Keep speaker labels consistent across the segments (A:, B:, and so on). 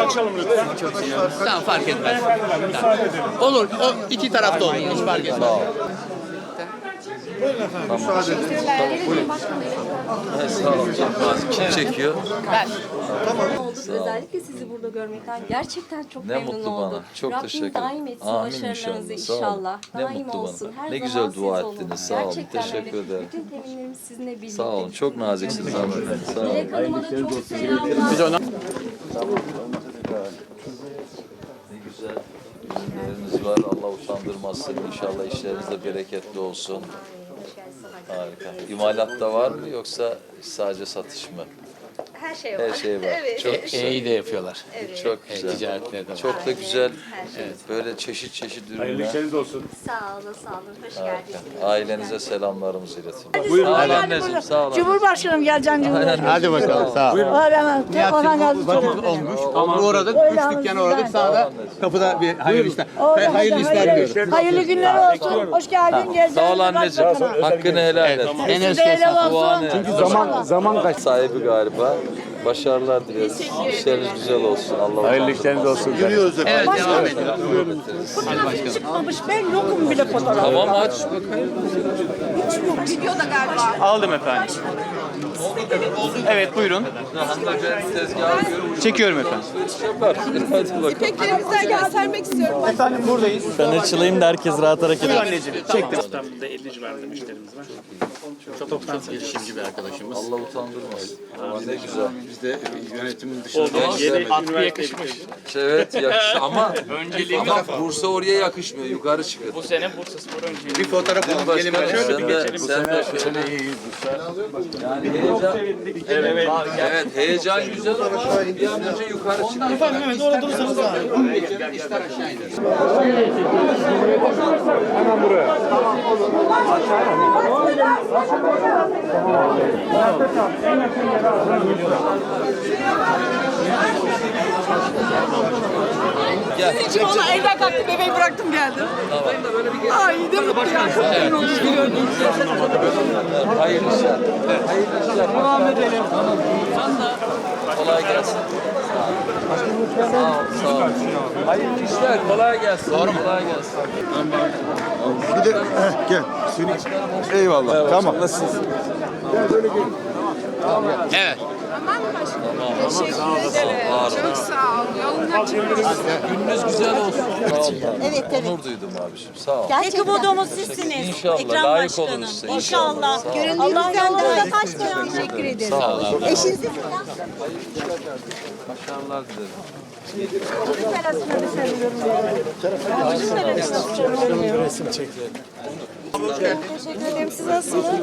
A: açalım lütfen.
B: Tamam, fark etmez. Tamam. Olur, o iki tarafta olur, hiç fark etmez.
C: Sağ olun. Kim çekiyor?
B: Ben.
D: Olduk. Özellikle sizi burada görmekten gerçekten çok
C: Ne
D: memnun
C: mutlu
D: oldum.
C: bana. Çok
D: Rabbim
C: teşekkür ederim.
D: daim etsin
C: Amin
D: başarılarınızı
C: inşallah. Sağ olun.
D: inşallah.
C: Ne
D: Daim
C: mutlu
D: olsun.
C: bana.
D: Her
C: Ne
D: zaman
C: güzel
D: siz
C: dua
D: olun.
C: ettiniz. Sağ olun.
D: Gerçekten
C: Teşekkür
D: öyle.
C: ederim.
D: Bütün teminlerimiz sizinle birlikte.
C: Sağ olun. Çok naziksiniz hanımefendi. Sağ olun.
D: Dilek Hanım'a da çok selamlar.
B: Biz ona...
C: Ne güzel. Ürünleriniz var. Allah utandırmasın. İnşallah işleriniz de bereketli olsun. Harika. İmalat da var mı yoksa sadece satış mı?
D: Her şey var.
C: Her şey var.
D: Evet.
C: Çok güzel.
B: İyi de yapıyorlar.
C: Çok güzel.
B: Ticaretleri de var.
C: Çok da güzel.
D: Şey.
C: Böyle çeşit çeşit
A: Hayırlı
C: ürünler.
A: işleriniz olsun.
D: Sağ olun, sağ olun. Hoş geldiniz.
C: Ailenize selamlarımızı iletin.
A: Buyurun.
C: Sağ olun anneciğim. Sağ olun.
E: Cumhurbaşkanım geleceksin Cumhurbaşkanım.
B: Hadi bakalım, sağ ol.
E: Orhan
B: Vakıf olmuş. Uğradık, üç dükkana uğradık. Sağda kapıda bir hayırlı işler. Hayırlı işler diyorum.
E: Hayırlı günler olsun. Hoş geldin. Geleceksin.
C: Sağ ol anneciğim. Hakkını helal et.
B: En
E: Siz
B: öz
E: de helal
C: Duanı.
E: olsun.
A: Zaman kaç?
C: Sahibi galiba. Başarılar dileriz. İşleriniz güzel olsun. Allah
A: Hayırlı işleriniz olsun. Yürüyoruz
B: Evet, devam edelim.
E: Çıkmamış. Ben yokum bile fotoğraf.
C: Tamam aç.
F: Aldım efendim. Evet buyurun.
C: Hanımefendi tezgahı görüyorum.
F: Çekiyorum efendim.
C: Yapar. Hadi bakalım.
G: İpeklerimizden göstermek istiyorum.
F: Efendim buradayız.
H: Ben açılayım da herkes rahat hareket
F: Buyur
H: eder.
F: anneciğim. Çektim.
A: İstanbul'da 50 civarında müşterimiz var.
B: Çok girişimci bir arkadaşımız.
C: Allah utandırmasın. Ama ne güzel.
B: Biz de yönetimin dışında...
A: Yeni üniversite
C: Evet yakış ama Bursa oraya yakışmıyor. Yukarı çıkın.
F: Bu sene Bursaspor önceliği.
B: Bir fotoğraf alalım, gelin böyle.
C: Sen de yani heyecan, evet heyecan güzel ama bir an önce yukarı çıkın.
B: Evet, orada durursanız daha iyi. İşler aşağı iner.
C: Gel.
G: Valla evden kalktım, bebeği bıraktım geldim. Ay ne mutlu ya.
C: Hayırlı işler. Hayırlı işler. Devam edelim. Kolay gelsin. Sağ ol. Sağ ol. Hayırlı işler. Kolay gelsin. Doğru mu? Kolay gelsin.
A: Gel. Eyvallah. Tamam. Nasılsınız?
B: Evet.
G: Teşekkür ederim. Çok sağ ol. Yolun açık olsun.
C: Gününüz güzel olsun. Sağ ol. Evet. Onur duydum abiciğim. Sağ ol.
E: Tek umudumuz sizsiniz.
C: İnşallah
E: Ekrem
C: layık
E: Başkanım.
C: oluruz size.
E: İnşallah.
C: Sağ ol.
E: Göründüğünüzden de taş koyan teşekkür ederim.
C: Sağ ol.
E: Eşinizi
C: Başarılar dilerim.
D: Teşekkür ederim. Siz nasılsınız?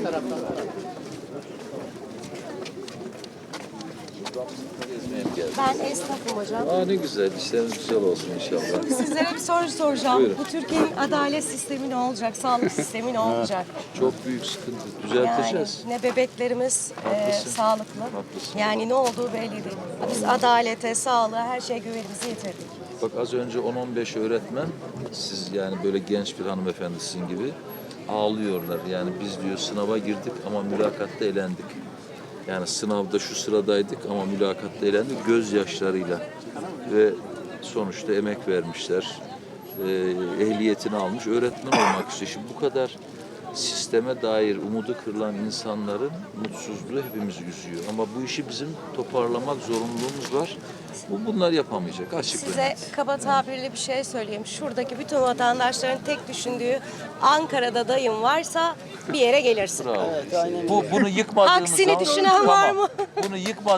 C: Gezmeye mi geldin?
D: Ben esnafım hocam.
C: Aa ne güzel. İşleriniz güzel olsun inşallah.
D: Sizlere bir soru soracağım.
C: Buyurun.
D: Bu Türkiye'nin adalet sistemi ne olacak? Sağlık sistemi ne olacak?
C: Çok büyük sıkıntı.
D: Yani
C: Düzelteceğiz.
D: ne bebeklerimiz
C: Haklısın.
D: sağlıklı.
C: Haklısın.
D: Yani ne olduğu belli değil. Biz adalete, sağlığa, her şeye güvenimizi yitirdik.
C: Bak az önce 10-15 öğretmen, siz yani böyle genç bir hanımefendi sizin gibi ağlıyorlar. Yani biz diyor sınava girdik ama mülakatta elendik. Yani sınavda şu sıradaydık ama mülakatta elendik gözyaşlarıyla. Ve sonuçta emek vermişler. Ehliyetini almış, öğretmen olmak istiyor. Şimdi bu kadar sisteme dair umudu kırılan insanların mutsuzluğu hepimizi üzüyor. Ama bu işi bizim toparlamak zorunluluğumuz var. Bunlar yapamayacak açık.
D: Size kaba tabirli bir şey söyleyeyim. Şuradaki bütün vatandaşların tek düşündüğü Ankara'da dayım varsa bir yere gelirsin.
C: Bravo. Bunu yıkmadığımız
D: Aksini
C: zaman,
D: düşünen var mı?
C: Bunu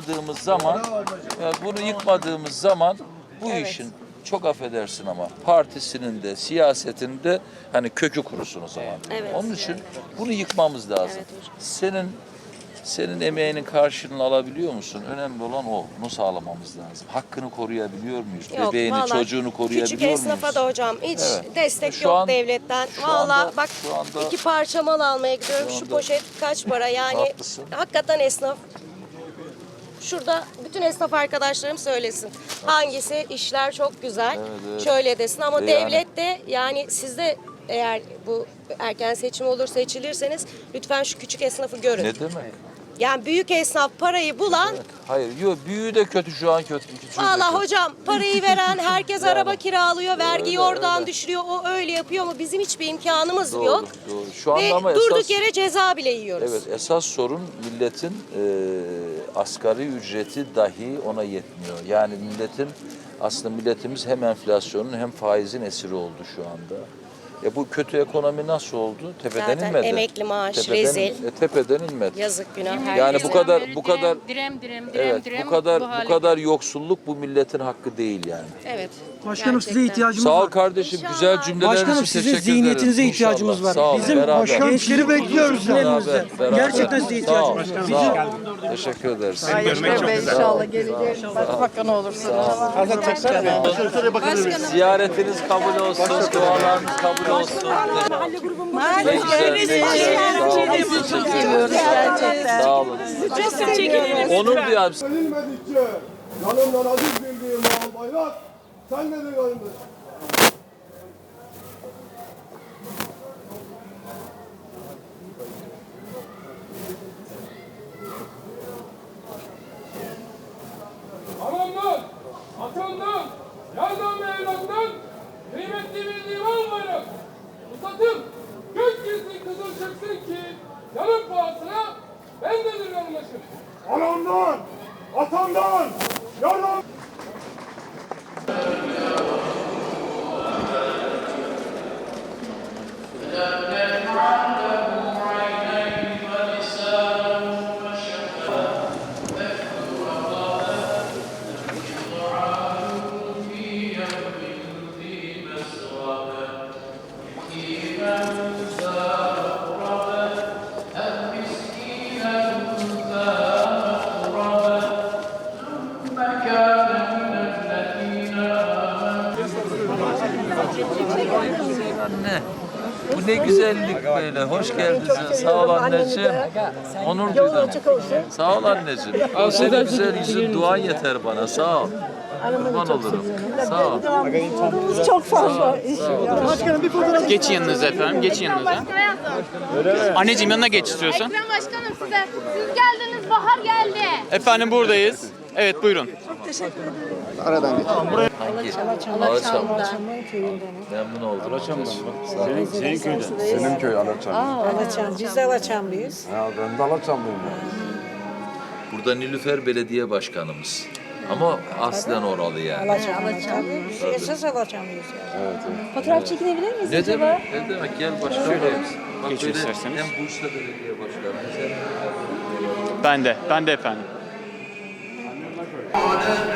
C: yıkmadığımız zaman bu işin çok affedersin ama partisinin de siyasetinin de hani kökü kurusun o zaman.
D: Evet.
C: Onun için bunu yıkmamız lazım.
D: Evet
C: Senin emeğinin karşılığını alabiliyor musun? Önemli olan o. Bunu sağlamamız lazım. Hakkını koruyabiliyor muyuz?
D: Yok,
C: Bebeğini,
D: vallahi
C: çocuğunu koruyabiliyor
D: küçük
C: muyuz?
D: esnafa da hocam hiç
C: Evet.
D: destek
C: Şu
D: yok
C: an-
D: devletten.
C: şu
D: Valla
C: anda-
D: bak
C: şu anda-
D: 2 parça mal almaya gidiyorum.
C: şu
D: Şu
C: anda-
D: poşet kaç para yani
C: Haklısın.
D: hakikaten esnaf. Şurada bütün esnaf arkadaşlarım söylesin. Hangisi işler çok güzel,
C: evet.
D: şöyle desin ama
C: Yani-
D: devlet de yani sizde eğer bu erken seçim olur seçilirseniz lütfen şu küçük esnafı görün.
C: Ne demek?
D: Yani büyük esnaf parayı bulan,
C: Hayır, yok büyüğü de kötü şu an kötü. küçüğü de
D: valla
C: kötü.
D: hocam parayı veren herkes araba kiralıyor, vergiyi oradan düşürüyor, o öyle yapıyor ama bizim hiçbir imkanımız
C: Doğru,
D: yok.
C: doğru. Şu anda
D: Ve
C: ama
D: durduk
C: esas,
D: yere ceza bile yiyoruz.
C: evet, esas sorun milletin asgari ücreti dahi ona yetmiyor. Yani aslında milletimiz hem enflasyonun hem faizin esiri oldu şu anda. Bu kötü ekonomi nasıl oldu? Tepeden
D: Zaten
C: inmedi.
D: emekli maaş,
C: Tepeden,
D: rezil.
C: Tepeden inmedi.
D: Yazık günah
C: Yani
D: herkese.
C: bu kadar evet, bu
E: hale.
C: kadar yoksulluk bu milletin hakkı değil yani.
D: Evet.
I: Başkanım size
D: gerçekten.
I: ihtiyacımız
C: Sağ ol
I: var.
C: kardeşim.
D: İnşallah.
C: Güzel cümleler için
I: Başkanım
C: teşekkür
I: sizin
C: ederim.
I: zihniyetinize
C: İnşallah.
I: ihtiyacımız var.
C: Sağ olun,
I: Bizim
C: beraber.
I: gençleri bekliyoruz yanımızda.
C: Beraber.
I: Gerçekten size ihtiyacımız var.
C: Sağ ol. Teşekkür ederiz.
G: İnşallah geleceğiz. Başbakan olursunuz.
C: Ziyaretiniz kabul olsun, dualarınız kabul olsun. Ne güzel, ne güzel.
G: Çok seviyoruz gerçekten.
C: Sağ olun. Onur duyarım.
J: Verilmedikçe yanımdan aziz bildiğim al bayrak sen nedir yanımda? Anamdan, atamdan, yardan ve evlattan kıymetli bildiğim al bayrak. Uzatıp gökyüzü kızıl çıksın ki yanım pahasına bendedir yanlaşım. Anamdan, atamdan, yardan.
C: Anne, bu ne güzellik böyle. Hoş geldiniz. Sağ ol anneciğim. Onur duydum. Sağ ol anneciğim. O senin güzel yüzün, duan yeter bana. Sağ ol. Kurban olurum. Sağ ol.
E: Çok fazla.
I: Başkanım bir fotoğraf.
F: Geçin yanınıza efendim. Geçin yanınıza. Anneciğim yanına geç istiyorsan.
K: Ekrem Başkanım size. Siz geldiniz, bahar geldi.
F: Efendim buradayız. Evet buyurun.
C: Hangi? Alaçam. Memnun oldum. Alaçam
A: Senin köyden. Senin köy Alaçam.
E: Alaçam. Biz de Alaçamlıyız.
A: Ya ben de Alaçamlıyım.
C: Burada Nilüfer Belediye Başkanımız. Ama aslen oralı yani.
E: Alaçam. Biz esas Alaçamlıyız yani.
D: Fotoğraf çekinebilir miyiz
C: Ne demek? Ne demek? Gel başkanım. Bak
F: Geç
C: böyle
F: isterseniz.
C: hem Bursa Belediye Başkanımız hem
F: Ben de efendim.